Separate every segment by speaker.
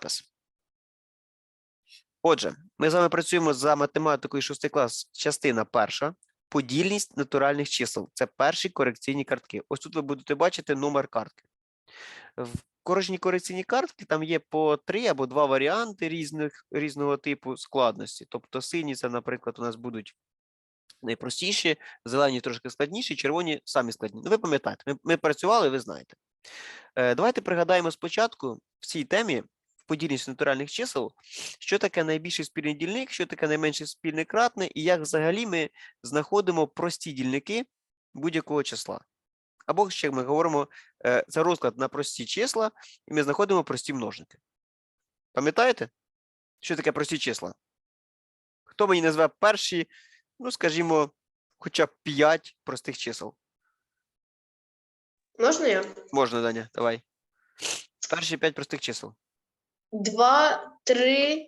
Speaker 1: запис. Отже, ми з вами працюємо за математикою 6 клас, частина перша. Подільність натуральних чисел. Це перші корекційні картки. Ось тут ви будете бачити номер картки. В кожній корекційній картці там є по 3 або 2 варіанти різного типу складності. Тобто сині це, наприклад, у нас будуть найпростіші, зелені трошки складніші, червоні самі складні. Ну, ви пам'ятаєте, ми працювали, ви знаєте. Давайте пригадаємо спочатку в цій темі, в подільність натуральних чисел, що таке найбільший спільний дільник, що таке найменший спільний кратне, і як взагалі ми знаходимо прості дільники будь-якого числа. Або, ще ми говоримо, це розклад на прості числа, і ми знаходимо прості множники. Пам'ятаєте, що таке прості числа? Хто мені назве перші, ну, скажімо, хоча б 5 простих чисел?
Speaker 2: Можна я?
Speaker 1: Можна, Даня, давай. Перші 5 простих чисел.
Speaker 2: 2, 3,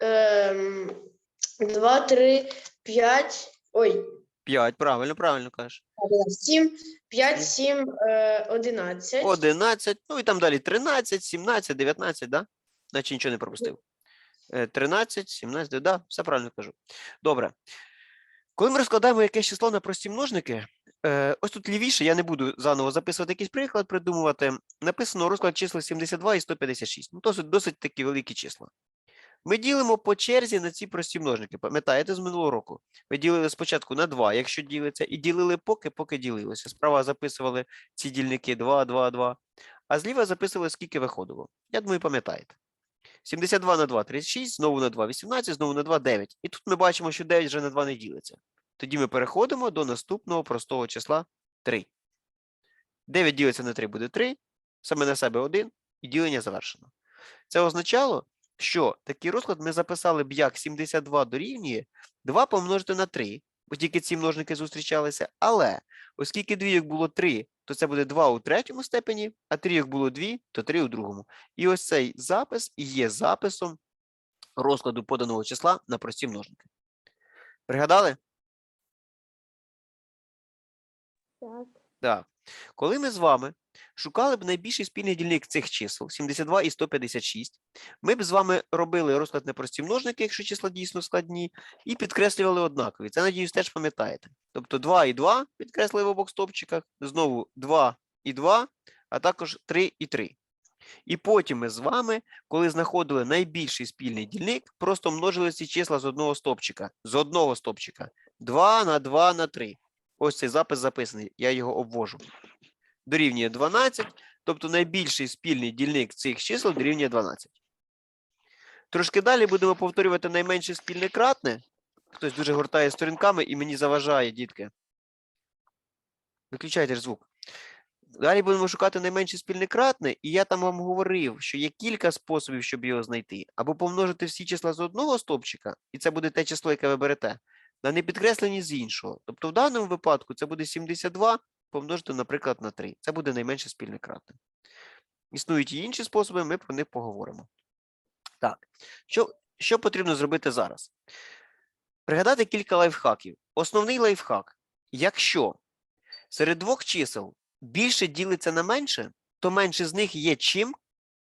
Speaker 2: 5, ой,
Speaker 1: 5, правильно кажеш.
Speaker 2: 7, 5, 7, 11.
Speaker 1: 11, ну і там далі 13, 17, 19, да? Наче нічого не пропустив. 13, 17, да, все правильно кажу. Добре. Коли ми розкладаємо якесь число на прості множники, ось тут лівіше, я не буду заново записувати якийсь приклад, придумувати, написано розклад числа 72 і 156. Ну, досить такі великі числа. Ми ділимо по черзі на ці прості множники. Пам'ятаєте з минулого року? Ми ділили спочатку на 2, якщо ділиться, і ділили поки ділилося. Справа записували ці дільники 2, 2, 2, а зліва записували, скільки виходило. Я думаю, пам'ятаєте. 72 на 2 – 36, знову на 2 – 18, знову на 2 – 9. І тут ми бачимо, що 9 вже на 2 не ділиться. Тоді ми переходимо до наступного простого числа 3. 9 ділиться на 3 буде 3, саме на себе 1, і ділення завершено. Це означало, що такий розклад ми записали б як 72 дорівнює 2 помножити на 3, бо тільки ці множники зустрічалися, але оскільки двійок було 3, то це буде 2 у третьому степені, а трійок було 2, то 3 у другому. І ось цей запис і є записом розкладу поданого числа на прості множники. Пригадали?
Speaker 2: Так.
Speaker 1: Так. Коли ми з вами шукали б найбільший спільний дільник цих чисел, 72 і 156, ми б з вами робили розклад на прості множники, якщо числа дійсно складні, і підкреслювали однакові. Це, надіюсь, теж пам'ятаєте. Тобто 2 і 2 підкреслили в обох стовпчиках, знову 2 і 2, а також 3 і 3. І потім ми з вами, коли знаходили найбільший спільний дільник, просто множили ці числа з одного стовпчика. 2 на 2 на 3. Ось цей запис записаний, я його обвожу. Дорівнює 12, тобто найбільший спільний дільник цих чисел дорівнює 12. Трошки далі будемо повторювати найменше спільне кратне. Хтось дуже гортає сторінками і мені заважає, дітки. Виключайте ж звук. Далі будемо шукати найменше спільне кратне, і я там вам говорив, що є кілька способів, щоб його знайти. Або помножити всі числа з одного стовпчика, і це буде те число, яке ви берете, на непідкреслені з іншого. Тобто в даному випадку це буде 72 помножити, наприклад, на 3. Це буде найменше спільне кратне. Існують і інші способи, ми про них поговоримо. Так, що потрібно зробити зараз? Пригадати кілька лайфхаків. Основний лайфхак. Якщо серед двох чисел більше ділиться на менше, то менше з них є чим?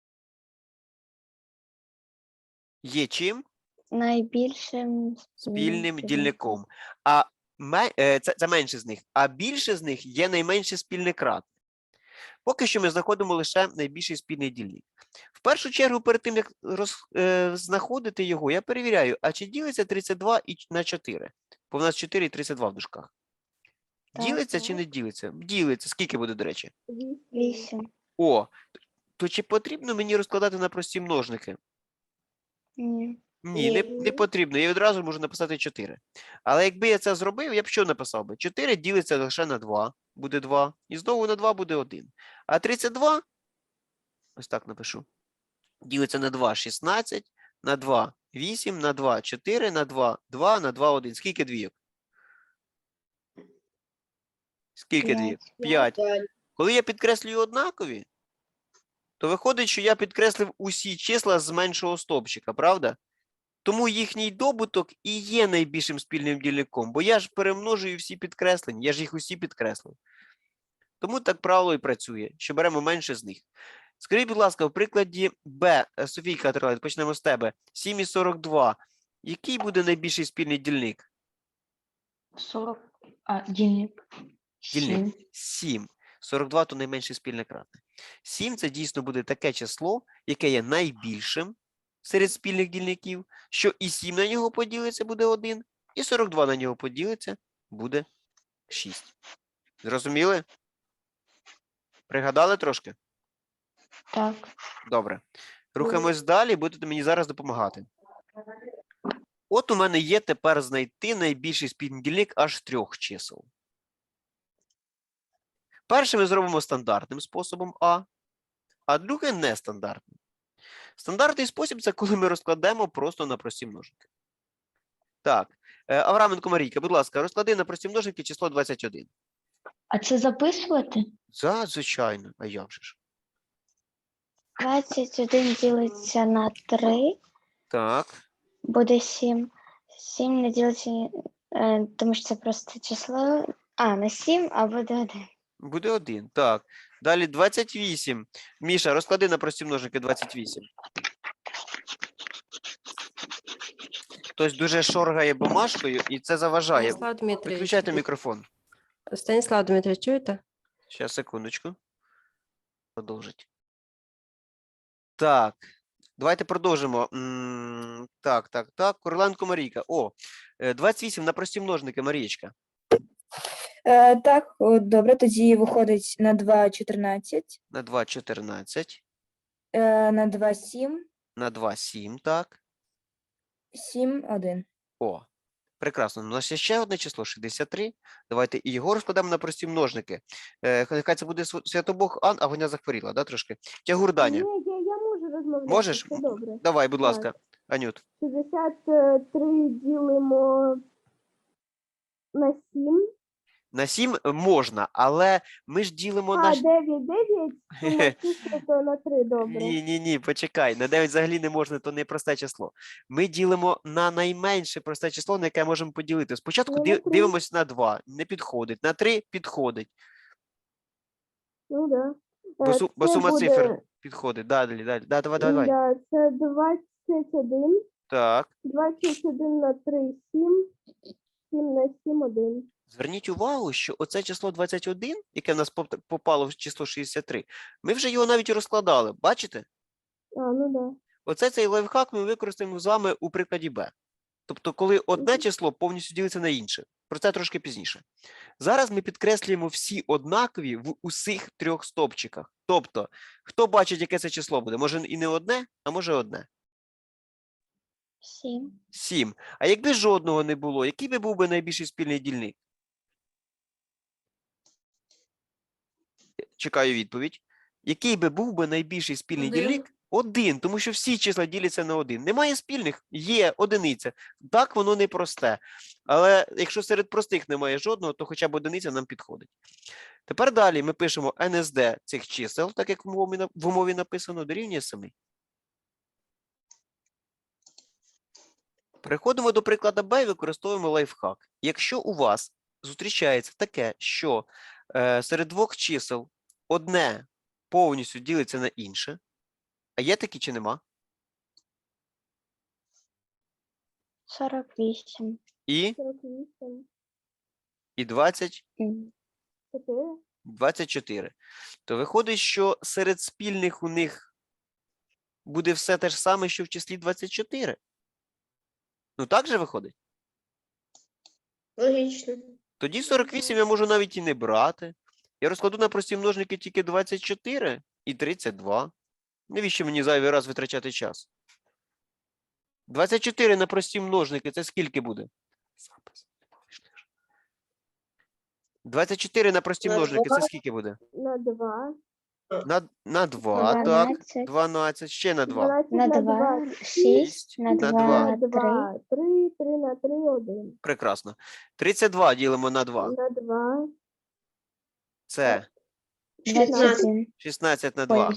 Speaker 1: Є чим?
Speaker 3: Найбільшим
Speaker 1: Спільним дільником. А це менше з них. А більше з них є найменше спільне кратне. Поки що ми знаходимо лише найбільший спільний дільник. В першу чергу, перед тим, як знаходити його, я перевіряю, а чи ділиться 32 на 4? Бо в нас 4 і 32 в дужках. Ділиться чи не ділиться? Ділиться. Скільки буде, до речі?
Speaker 3: 8.
Speaker 1: О, то чи потрібно мені розкладати на прості множники?
Speaker 3: Ні.
Speaker 1: Ні, не потрібно. Я відразу можу написати 4. Але якби я це зробив, я б що написав би? 4 ділиться лише на 2, буде 2. І знову на 2 буде 1. А 32, ось так напишу, ділиться на 2 – 16, на 2 – 8, на 2 – 4, на 2 – 2, на 2 – 1. Скільки двійок? Скільки двійок? 5. Коли я підкреслюю однакові, то виходить, що я підкреслив усі числа з меншого стовпчика, правда? Тому їхній добуток і є найбільшим спільним дільником, бо я ж перемножую всі підкреслення, я ж їх усі підкреслив. Тому так правило і працює, що беремо менше з них. Скажіть, будь ласка, в прикладі Б, Софійка Трилай, почнемо з тебе. 7 і 42. Який буде найбільший спільний дільник?
Speaker 3: 40. Дільник.
Speaker 1: Дільник. 7. 42 – то найменший спільний кратний. 7 – це дійсно буде таке число, яке є найбільшим серед спільних дільників, що і 7 на нього поділиться буде 1, і 42 на нього поділиться буде 6. Зрозуміли? Пригадали трошки?
Speaker 3: Так.
Speaker 1: Добре. Рухаємось далі, будете мені зараз допомагати. От у мене є тепер знайти найбільший спільний дільник аж 3 чисел. Перше ми зробимо стандартним способом а друге нестандартним. Стандартний спосіб – це коли ми розкладемо просто на прості множники. Так, Авраменко Марійка, будь ласка, розклади на прості множники число 21.
Speaker 3: А це записувати?
Speaker 1: Звичайно, а як же ж?
Speaker 3: 21 ділиться на 3,
Speaker 1: Так,
Speaker 3: буде 7. 7 не ділиться, тому що це просто число. На 7, а буде 1.
Speaker 1: буде 1. Так, далі 28. Міша, розклади на прості множники 28. Хтось дуже шоргає бумажкою і це заважає.
Speaker 4: Станіслав Дмитрович,
Speaker 1: Виключайте мікрофон.
Speaker 4: Станіслав Дмитрович, чуєте?
Speaker 1: Зараз, секундочку. Продовжить. Так, давайте продовжимо. Так. Короленко Марійка. 28 на прості множники, Марієчка.
Speaker 5: Так, добре, тоді виходить на 2 – 14,
Speaker 1: На 2 – 14.
Speaker 5: на 2 – 7,
Speaker 1: На 2 – 7, так.
Speaker 5: 7 – 1.
Speaker 1: Прекрасно. У нас є ще одне число – 63. Давайте і його розкладемо на прості множники. Нехай це буде Святобог Ан, а вона захворіла, да, трошки? Тягур Даня.
Speaker 6: Я можу розмовляти.
Speaker 1: Можеш?
Speaker 6: Все добре.
Speaker 1: Давай, будь
Speaker 6: Так.
Speaker 1: ласка, Анют.
Speaker 6: 63 ділимо на 7.
Speaker 1: На 7 можна, але ми ж ділимо на...
Speaker 6: 9, сума числа, то на 3, добре.
Speaker 1: Ні, почекай. На 9 взагалі не можна, то не просте число. Ми ділимо на найменше просте число, на яке можемо поділити. Спочатку
Speaker 6: Ну, на 3.
Speaker 1: дивимося на 2, не підходить. На 3 підходить,
Speaker 6: Ну, да.
Speaker 1: бо
Speaker 6: Це
Speaker 1: сума
Speaker 6: буде-
Speaker 1: цифр підходить. Далі. Да, давай.
Speaker 6: Да, це 21.
Speaker 1: Так.
Speaker 6: 21 на 3 – 7. 7 на 7 – 1.
Speaker 1: Зверніть увагу, що оце число 21, яке в нас попало в число 63, ми вже його навіть розкладали. Бачите?
Speaker 6: Ну да.
Speaker 1: Оце цей лайфхак ми використаємо з вами у прикладі Б. Тобто, коли одне число повністю ділиться на інше. Про це трошки пізніше. Зараз ми підкреслюємо всі однакові в усіх 3 стовпчиках. Тобто, хто бачить, яке це число буде? Може і не одне, а може одне.
Speaker 3: 7.
Speaker 1: 7. А якби жодного не було, який би був би найбільший спільний дільник? Чекаю відповідь. Який би був би найбільший спільний
Speaker 4: 1.
Speaker 1: дільник? 1, тому що всі числа діляться на 1. Немає спільних? Є одиниця. Так, воно не просте. Але якщо серед простих немає жодного, то хоча б одиниця нам підходить. Тепер далі ми пишемо НСД цих чисел, так як в умові написано, дорівнює 7. Переходимо до прикладу Б і використовуємо лайфхак. Якщо у вас зустрічається таке, що серед двох чисел одне повністю ділиться на інше, а є такі чи нема?
Speaker 3: 48.
Speaker 1: І
Speaker 6: 48.
Speaker 1: 20,
Speaker 6: 4.
Speaker 1: 24. То виходить, що серед спільних у них буде все те ж саме, що в числі 24. Ну так же виходить?
Speaker 2: Логічно.
Speaker 1: Тоді 48 я можу навіть і не брати. Я розкладу на прості множники тільки 24 і 32. Навіщо мені зайвий раз витрачати час? 24 на прості множники – це скільки буде? 24 на прості
Speaker 2: На
Speaker 1: множники – це
Speaker 2: 2.
Speaker 1: скільки буде?
Speaker 6: На 2.
Speaker 1: На 2, так.
Speaker 3: 12.
Speaker 1: 12, ще на 2.
Speaker 6: 12
Speaker 3: На 2. 6. На
Speaker 1: На
Speaker 3: 2. 3.
Speaker 6: 2. 3. 3 на 3 – 1.
Speaker 1: Прекрасно. 32 ділимо на 2.
Speaker 6: На 2.
Speaker 1: Це
Speaker 3: 21.
Speaker 1: 16 на 2.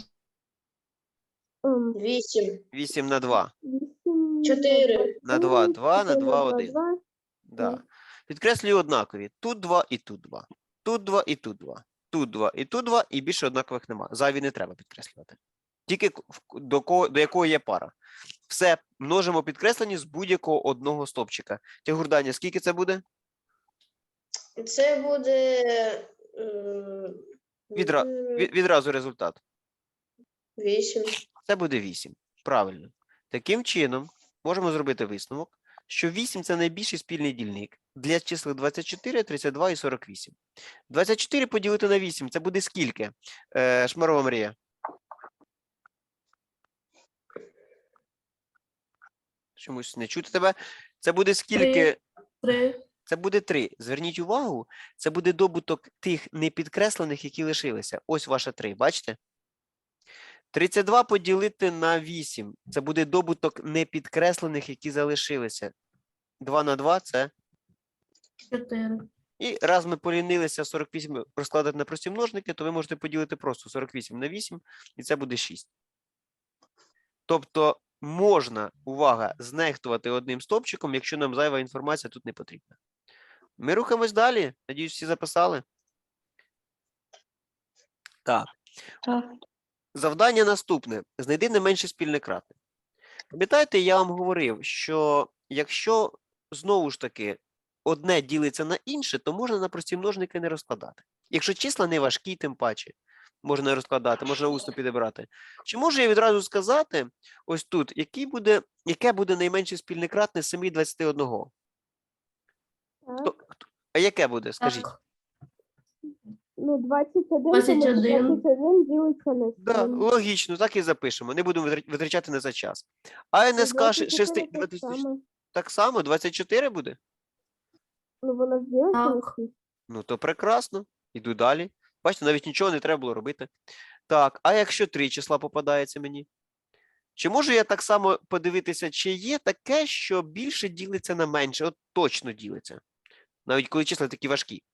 Speaker 2: 8.
Speaker 1: 8 на 2.
Speaker 6: 8.
Speaker 2: 4.
Speaker 1: На 2, 2, на 2, 1.
Speaker 6: 2.
Speaker 1: Да. Підкреслюю однакові. Тут 2 і тут 2. Тут 2 і тут 2. Тут 2 і тут 2, і більше однакових нема. Зайві не треба підкреслювати. Тільки до якого є пара. Все, множимо підкреслені з будь-якого одного стовпчика. Тягур Даня, скільки це буде?
Speaker 2: Це буде
Speaker 1: Відразу результат.
Speaker 2: 8.
Speaker 1: Це буде 8. Правильно. Таким чином, можемо зробити висновок, що 8 – це найбільший спільний дільник для чисел 24, 32 і 48. 24 поділити на 8 – це буде скільки? Шмарова Марія. Чомусь не чути тебе. Це буде скільки?
Speaker 6: 3.
Speaker 1: Це буде 3. Зверніть увагу, це буде добуток тих непідкреслених, які лишилися. Ось ваше 3, бачите? 32 поділити на 8. Це буде добуток непідкреслених, які залишилися. 2 на 2 – це...
Speaker 6: 4.
Speaker 1: І раз ми полінилися 48 розкладати на прості множники, то ви можете поділити просто 48 на 8, і це буде 6. Тобто можна, увага, знехтувати одним стовпчиком, якщо нам зайва інформація тут не потрібна. Ми рухаємось далі. Надіюсь, всі записали? Так.
Speaker 3: Так.
Speaker 1: Завдання наступне. Знайди не менше спільне кратне. Пам'ятаєте, я вам говорив, що якщо, знову ж таки, одне ділиться на інше, то можна на прості множники не розкладати. Якщо числа не важкі, тим паче, можна розкладати, можна усно підібрати. Чи можу я відразу сказати, ось тут, яке буде найменше спільне кратне з 7 і 21? А яке буде, скажіть?
Speaker 6: Ну, 21,
Speaker 4: 21.
Speaker 6: 21 ділиться на 7.
Speaker 1: Да, логічно, так і запишемо. Не будемо витрачати на це час. А НСК 6, так само, 24 буде?
Speaker 6: Ну, воно ж ділиться на
Speaker 4: Так.
Speaker 6: 6.
Speaker 1: Ну, то прекрасно. Іду далі. Бачите, навіть нічого не треба було робити. Так, а якщо 3 числа попадається мені? Чи можу я так само подивитися, чи є таке, що більше ділиться на менше? От точно ділиться. Навіть коли числа такі важкі.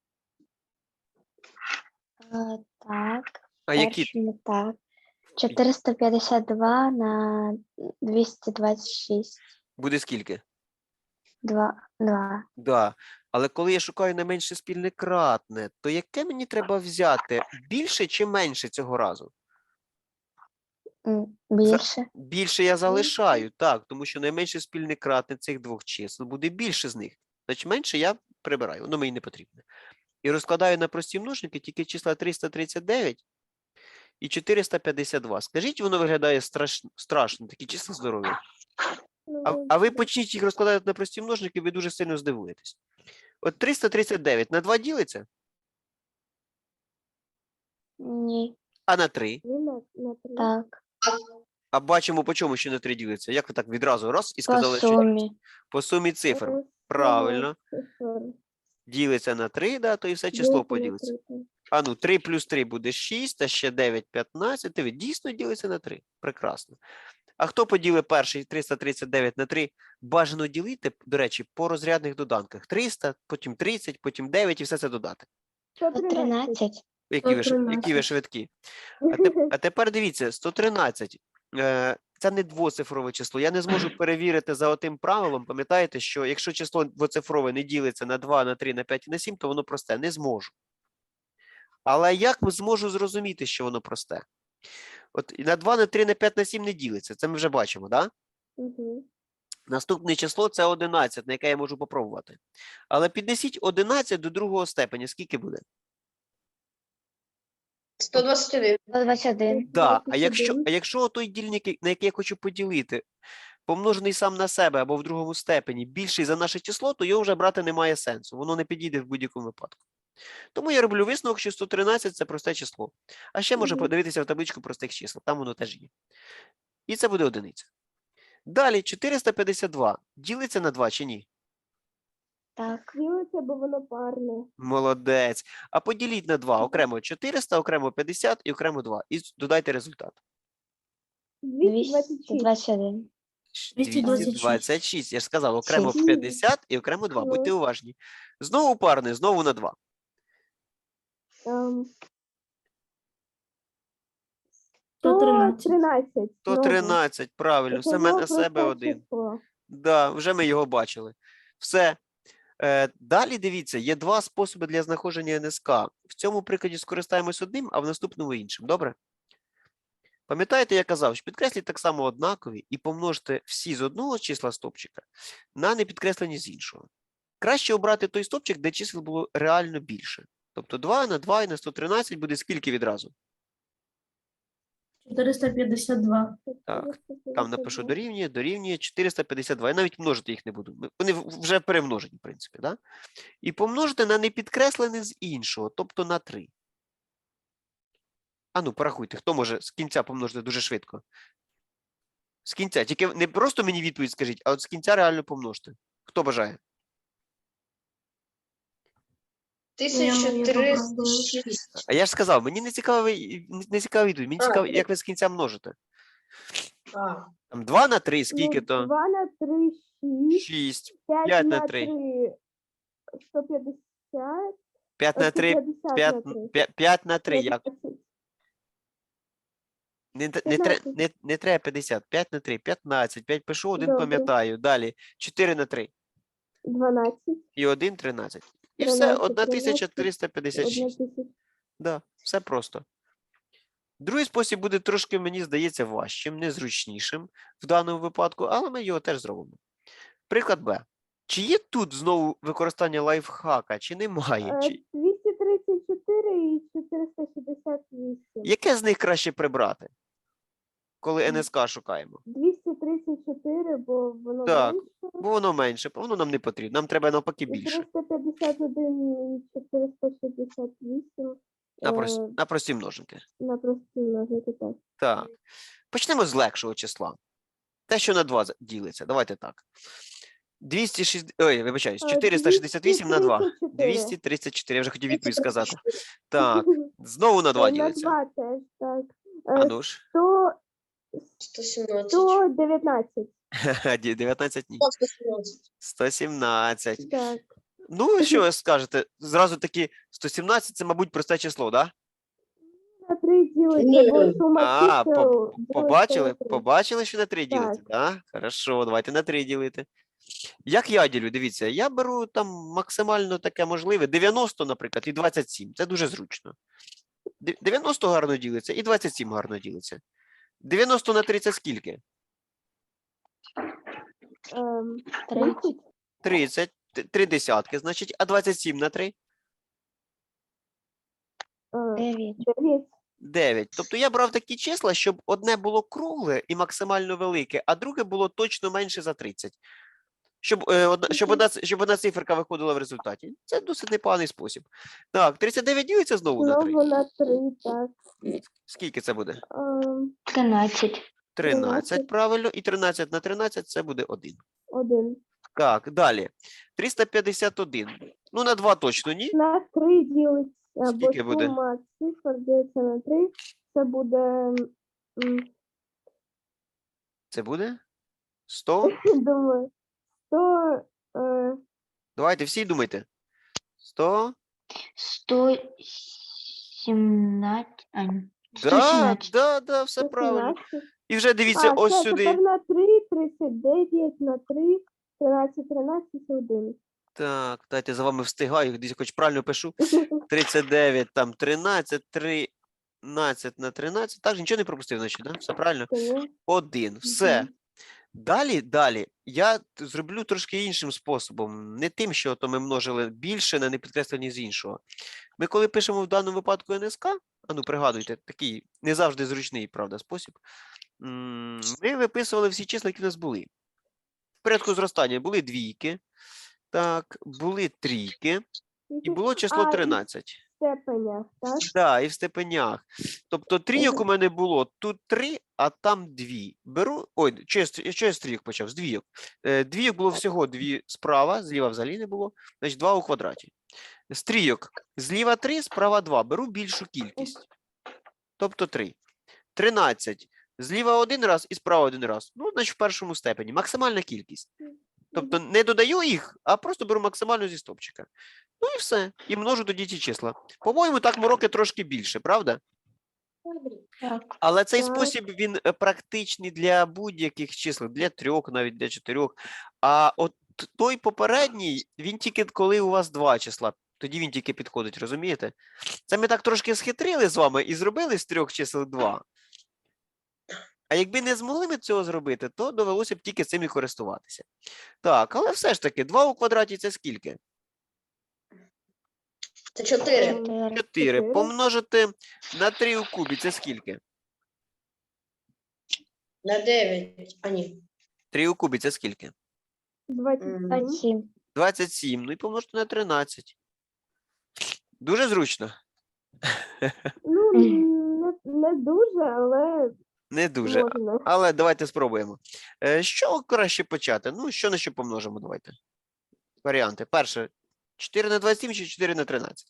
Speaker 3: Так.
Speaker 1: А які?
Speaker 3: Перший не так. 452 на 226.
Speaker 1: Буде скільки?
Speaker 3: 2.
Speaker 1: Да. Але коли я шукаю найменше спільне кратне, то яке мені треба взяти? Більше чи менше цього разу?
Speaker 3: Більше.
Speaker 1: Більше я залишаю, так, тому що найменше спільне кратне цих двох чисел буде більше з них. Значить, менше я прибираю, воно мені не потрібне. І розкладаю на прості множники тільки числа 339 і 452. Скажіть, воно виглядає страшно, такі числа здорові. А ви почніть їх розкладати на прості множники, ви дуже сильно здивуєтесь. От 339 на 2 ділиться,
Speaker 3: Ні.
Speaker 1: а на 3.
Speaker 6: На 3.
Speaker 3: Так.
Speaker 1: А бачимо, по чому ще на 3 ділиться. Як ви так відразу раз і
Speaker 3: По
Speaker 1: сказали, що
Speaker 3: сумі.
Speaker 1: по сумі цифр. Правильно. Ділиться на 3, да, то і все число поділиться. А ну, 3 плюс 3 буде 6, а ще 9, 15. Ти дійсно ділиться на 3. Прекрасно. А хто поділив перший 339 на 3? Бажано ділити, до речі, по розрядних доданках. 300, потім 30, потім 9 і все це додати.
Speaker 3: 113.
Speaker 1: Які ви швидкі. А тепер дивіться, 113. Це не двоцифрове число. Я не зможу перевірити за отим правилом. Пам'ятаєте, що якщо число двоцифрове не ділиться на 2, на 3, на 5 і на 7, то воно просте. Не зможу. Але як зможу зрозуміти, що воно просте? От на 2, на 3, на 5, на 7 не ділиться. Це ми вже бачимо, так? Да? Наступне число – це 11, на яке я можу попробувати. Але піднесіть 11 до другого степеня. Скільки буде?
Speaker 2: 121.
Speaker 3: 121.
Speaker 1: Да. А якщо той дільник, на який я хочу поділити, помножений сам на себе або в другому степені, більший за наше число, то його вже брати немає сенсу. Воно не підійде в будь-якому випадку. Тому я роблю висновок, що 113 – це просте число. А ще можна подивитися в табличку простих чисел. Там воно теж є. І це буде одиниця. Далі 452. Ділиться на 2 чи ні?
Speaker 3: Так.
Speaker 6: Ділиться, бо воно парне.
Speaker 1: Молодець. А поділіть на 2. Окремо 400, окремо 50 і окремо 2. І додайте результат.
Speaker 6: 226.
Speaker 3: 221.
Speaker 1: 226. Я ж сказав, окремо
Speaker 3: Шість.
Speaker 1: 50 і окремо 2. Будьте уважні. Знову парне, знову на 2.
Speaker 6: 113.
Speaker 1: 113, правильно. Саме на себе один. Да, вже ми його бачили. Все. Далі дивіться, є два способи для знаходження НСК. В цьому прикладі скористаємось одним, а в наступному іншим. Добре? Пам'ятаєте, я казав, що підкресліть так само однакові і помножте всі з одного числа стопчика на непідкреслені з іншого. Краще обрати той стопчик, де чисел було реально більше. Тобто 2 на 2 і на 113 буде скільки відразу?
Speaker 6: 452.
Speaker 1: Так, там напишу дорівнює 452. Я навіть множити їх не буду. Вони вже перемножені, в принципі. Да? І помножити на непідкреслене з іншого, тобто на 3. А ну, порахуйте, хто може з кінця помножити дуже швидко? З кінця. Тільки не просто мені відповідь скажіть, а от з кінця реально помножте. Хто бажає?
Speaker 2: 1306.
Speaker 1: А я ж сказав, мені не цікаво відповідь, мені цікаво, як ви з кінця множите. Там 2 на 3, скільки то?
Speaker 6: 2 на 3 – 6.
Speaker 1: 6.
Speaker 6: 5
Speaker 1: 5 на
Speaker 6: на
Speaker 1: 3.
Speaker 6: 3 – 150.
Speaker 1: 5 на 3.
Speaker 6: 150 на 3.
Speaker 1: 5 на 3, як?
Speaker 6: 15.
Speaker 1: Не треба 50. 5 на 3, 15. 5 пишу, 1
Speaker 6: Добре.
Speaker 1: пам'ятаю. Далі. 4 на 3.
Speaker 6: 12.
Speaker 1: І 1 – 13. І все,
Speaker 6: 13,
Speaker 1: 1356.
Speaker 6: 1000.
Speaker 1: Да, все просто. Другий спосіб буде трошки, мені здається, важчим, незручнішим в даному випадку, але ми його теж зробимо. Приклад Б. Чи є тут знову використання лайфхака, чи немає?
Speaker 6: 234 і 468.
Speaker 1: Яке з них краще прибрати, коли НСК шукаємо?
Speaker 6: 234, бо воно
Speaker 1: Так.
Speaker 6: менше.
Speaker 1: Бо воно менше, воно нам не потрібно, нам треба навпаки
Speaker 6: І
Speaker 1: більше.
Speaker 6: 351 і 468
Speaker 1: На прості множинки.
Speaker 6: на прості множити так.
Speaker 1: Так. Почнемо з легшого числа. Те, що на 2 ділиться. Давайте так. 468 на 2. 234. Я вже хотів відповідь сказати. Так. Знову на 2
Speaker 6: На
Speaker 1: ділиться.
Speaker 6: 2 теж, так.
Speaker 1: А ну ж.
Speaker 2: 117.
Speaker 6: 119,
Speaker 1: 19 ні.
Speaker 2: 117.
Speaker 1: 117.
Speaker 6: так.
Speaker 1: Ну, що ви скажете? Зразу таки 117 це, мабуть, просте число, так? Да?
Speaker 6: На 3 ділиться,
Speaker 2: Ні.
Speaker 6: бо сума
Speaker 1: А,
Speaker 6: чисел ділиться
Speaker 1: Побачили?
Speaker 6: на 3.
Speaker 1: Побачили, що на 3 ділиться? Так. Хорошо, давайте на 3 ділити. Як я ділю? Дивіться, я беру там максимально таке можливе. 90, наприклад, і 27. Це дуже зручно. 90 гарно ділиться і 27 гарно ділиться. 90 на 3 це скільки?
Speaker 6: 30,
Speaker 1: 30. 3 десятки, значить, а 27 на 3?
Speaker 3: 9.
Speaker 6: 9.
Speaker 1: 9. Тобто я брав такі числа, щоб одне було кругле і максимально велике, а друге було точно менше за 30. Щоб одна циферка виходила в результаті. Це досить непоганий спосіб. Так, 39 ділиться знову на 3.
Speaker 6: Знову на 3, так.
Speaker 1: Скільки це буде?
Speaker 3: 13.
Speaker 1: 13, правильно. І 13 на 13 це буде 1.
Speaker 6: 1.
Speaker 1: Так, далі. 351. Ну, на 2 точно ні.
Speaker 6: На 3 ділиться, бо
Speaker 1: Скільки буде?
Speaker 6: сума цифр ділиться на 3. Це буде,
Speaker 1: Це буде 100.
Speaker 6: думаю, 100,
Speaker 1: Давайте всі думайте. 100.
Speaker 3: 117.
Speaker 1: Да,
Speaker 3: 117.
Speaker 1: да, все правильно.
Speaker 6: 117.
Speaker 1: І вже дивіться ось
Speaker 6: це
Speaker 1: сюди.
Speaker 6: тепер на 3, 39 на 3, 13, 13, 1.
Speaker 1: Так, дайте за вами встигаю, десь хоч правильно пишу. 39, там 13, 13 на 13. Так, нічого не пропустив, значить, да? Все правильно? 1. Все. Далі я зроблю трошки іншим способом. Не тим, що то ми множили більше на непідкреслені з іншого. Ми коли пишемо в даному випадку НСК, а ну пригадуйте, такий не завжди зручний, правда, спосіб. Ми виписували всі числа, які в нас були. В порядку зростання були двійки, так, були трійки, і було число 13.
Speaker 6: Степенях, так?
Speaker 1: Так, і в степенях. Тобто трійок у мене було тут 3, а там 2. Беру. Ой, що я з трійок почав? З двійок. Двійок було всього 2 справа, зліва взагалі не було. Значить, 2 у квадраті. З трійок зліва 3, справа 2. Беру більшу кількість. Тобто 3. 13. Зліва 1 раз і справа 1 раз. Ну, значить, в першому степені. Максимальна кількість. Тобто не додаю їх, а просто беру максимально зі стопчика. Ну і все. І множу тоді ці числа. По-моєму, так мороки трошки більше, правда?
Speaker 3: Так.
Speaker 1: Але цей
Speaker 6: Так.
Speaker 1: спосіб, він практичний для будь-яких чисел, для 3, навіть для 4. А от той попередній, він тільки коли у вас 2 числа. Тоді він тільки підходить, розумієте? Це ми так трошки схитрили з вами і зробили з 3 чисел 2. А якби не змогли ми цього зробити, то довелося б тільки цим і користуватися. Так, але все ж таки, 2 у квадраті це скільки?
Speaker 2: Це 4.
Speaker 3: 4.
Speaker 1: 4. Помножити на 3 у кубі це скільки?
Speaker 2: На 9. А ні.
Speaker 1: 3 у кубі це скільки?
Speaker 6: 27.
Speaker 3: 27.
Speaker 1: 27. Ну і помножити на 13. Дуже зручно?
Speaker 6: Ну, не дуже, але
Speaker 1: Не дуже.
Speaker 6: можна.
Speaker 1: Але давайте спробуємо. З чого краще почати? Ну, що на що помножимо, давайте. Варіанти. Перше, 4 на 27 чи 4 на 13?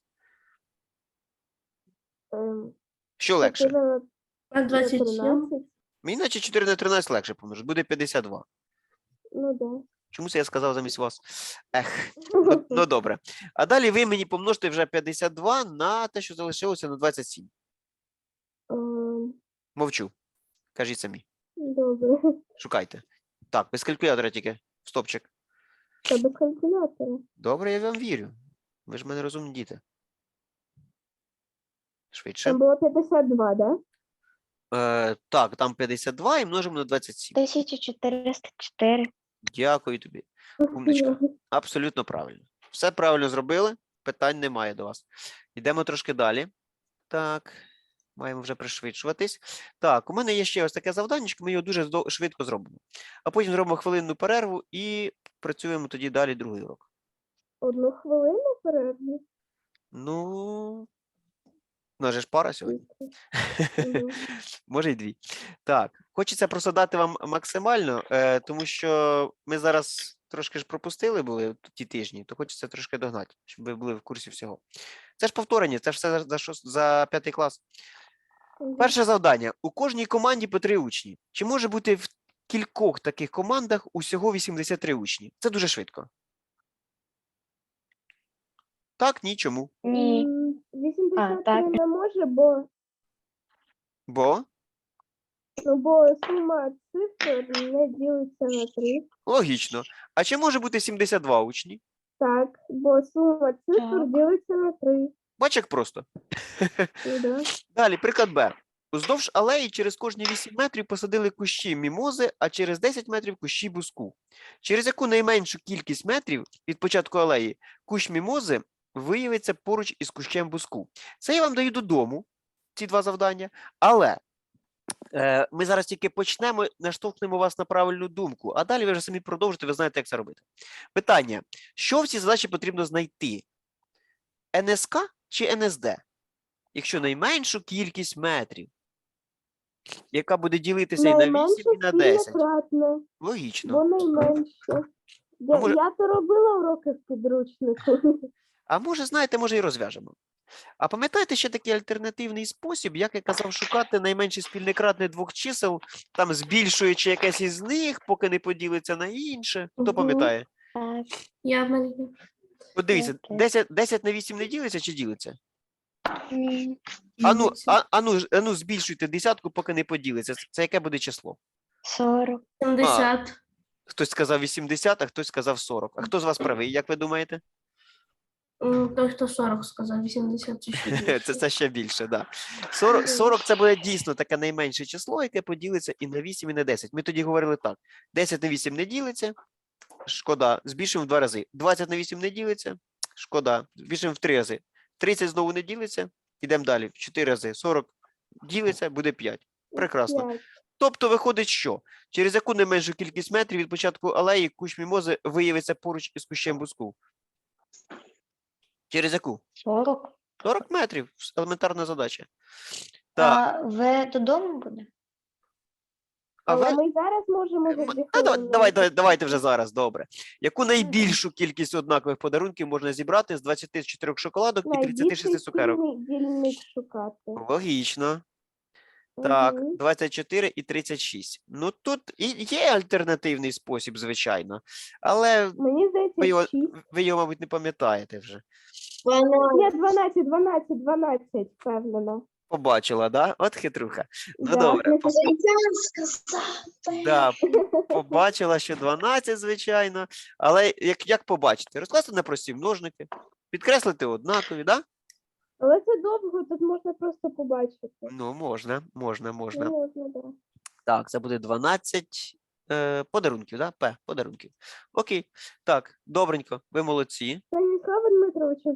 Speaker 1: Що легше?
Speaker 6: 4 на
Speaker 4: 27.
Speaker 6: 13.
Speaker 1: Мені наче 4 на 13 легше помножити. Буде 52.
Speaker 6: Ну, да.
Speaker 1: Чому це я сказав замість вас? Ех, ну добре. А далі ви мені помножите вже 52 на те, що залишилося на 27. Мовчу. Кажіть самі.
Speaker 6: Добре.
Speaker 1: Шукайте. Так, без калькулятора тільки. Стопчик.
Speaker 6: Та без калькулятора.
Speaker 1: Добре, я вам вірю. Ви ж в мене розумні діти. Швидше.
Speaker 6: Там було 52, да?
Speaker 1: Так, там 52 і множимо на 27.
Speaker 3: 1404.
Speaker 1: Дякую тобі. Умничка. Абсолютно правильно. Все правильно зробили. Питань немає до вас. Йдемо трошки далі. Так, маємо вже пришвидшуватись. Так, у мене є ще ось таке завданнячко, ми його дуже швидко зробимо. А потім зробимо хвилинну перерву і працюємо тоді далі другий урок.
Speaker 6: 1 хвилину перерву.
Speaker 1: Ну, у нас же ж пара сьогодні.
Speaker 6: Мгм.
Speaker 1: Може й 2. Так, хочеться просто дати вам максимально, тому що ми зараз трошки ж пропустили були ті тижні, то хочеться трошки догнати, щоб ви були в курсі всього. Це ж повторення, це ж все за 5 клас.
Speaker 6: Мгм.
Speaker 1: Перше завдання. У кожній команді по 3 учні. Чи може бути в кількох таких командах усього 83 учні? Це дуже швидко. Так, ні, чому.
Speaker 3: Ні.
Speaker 6: 83
Speaker 3: так.
Speaker 6: не може,
Speaker 1: Бо
Speaker 6: бо сума цифр не ділиться на 3.
Speaker 1: логічно. А чи може бути 72 учні?
Speaker 6: Так, бо сума цифр
Speaker 3: Так.
Speaker 6: ділиться на 3.
Speaker 1: Бач, як просто.
Speaker 6: Ну, да.
Speaker 1: Далі, приклад Б. Уздовж алеї через кожні 8 метрів посадили кущі мімози, а через 10 метрів кущі буску. Через яку найменшу кількість метрів від початку алеї кущ мімози виявиться поруч із кущем буску. Це я вам даю додому, ці 2 завдання, але ми зараз тільки почнемо, наштовхнемо вас на правильну думку, а далі ви вже самі продовжите, ви знаєте, як це робити. Питання. Що в цій задачі потрібно знайти? НСК чи НСД? Якщо найменшу кількість метрів, яка буде ділитися і на 8,
Speaker 6: Найменше
Speaker 1: і на 10.
Speaker 6: кратне,
Speaker 1: Логічно.
Speaker 6: бо найменше.
Speaker 1: А може-
Speaker 6: Я то робила уроки в підручнику.
Speaker 1: А може, знаєте, може і розв'яжемо. А пам'ятаєте ще такий альтернативний спосіб, як я казав, шукати найменший спільний кратний 2 чисел, там збільшуючи якесь із них, поки не поділиться на інше. Хто
Speaker 6: Мгм.
Speaker 1: пам'ятає?
Speaker 3: Так.
Speaker 4: Я в мене.
Speaker 1: От дивіться,
Speaker 3: Окей.
Speaker 1: 10 на 8 не ділиться чи ділиться?
Speaker 3: Ні.
Speaker 1: Ану, збільшуйте десятку, поки не поділиться. Це яке буде число?
Speaker 3: 40.
Speaker 4: 70.
Speaker 1: Хтось сказав 80, а хтось сказав 40. А хто з вас правий, як ви думаєте?
Speaker 4: Той, хто 40 сказав, 80 чи ще більше.
Speaker 1: Це ще більше, так. 40 це буде дійсно таке найменше число, яке поділиться і на 8, і на 10. Ми тоді говорили так. 10 на 8 не ділиться, шкода, збільшуємо в 2 рази. 20 на 8 не ділиться, шкода, збільшуємо в 3 рази. 30 знову не ділиться, йдемо далі, в 4 рази. 40 ділиться, буде 5. Прекрасно.
Speaker 6: 5.
Speaker 1: Тобто виходить, що через яку найменшу кількість метрів від початку алеї кущ мімози виявиться поруч із кущем буску? Через яку?
Speaker 3: 40.
Speaker 1: 40 метрів. Елементарна задача. Так,
Speaker 3: А ви додому буде?
Speaker 1: а
Speaker 6: Але
Speaker 1: ви...
Speaker 6: ми зараз можемо за 2
Speaker 1: Давайте вже зараз, добре. Яку найбільшу кількість однакових подарунків можна зібрати з 24 шоколадок і 36 цукерок?
Speaker 6: дільник шукати.
Speaker 1: Логічно. Так,
Speaker 6: Мгм.
Speaker 1: 24 і 36. Ну, тут і є альтернативний спосіб, звичайно. Але
Speaker 6: Мені
Speaker 1: ви його,
Speaker 6: здається, 6.
Speaker 1: ви його, мабуть, не пам'ятаєте вже.
Speaker 6: Ні, 12, впевнена.
Speaker 1: Побачила, да? От хитруха. Ну,
Speaker 6: Да.
Speaker 1: добре.
Speaker 2: Я сказав.
Speaker 1: Да, побачила, що 12, звичайно. Але як побачити? Розкласти на прості множники, підкреслити однакові, да?
Speaker 6: Але це довго, тут можна просто побачити.
Speaker 1: Ну, можна.
Speaker 6: Можна, да.
Speaker 1: Так, це буде 12 подарунків, да? П, подарунків. Окей. Так, добренько, ви молодці.
Speaker 6: Станіслава Дмитровича,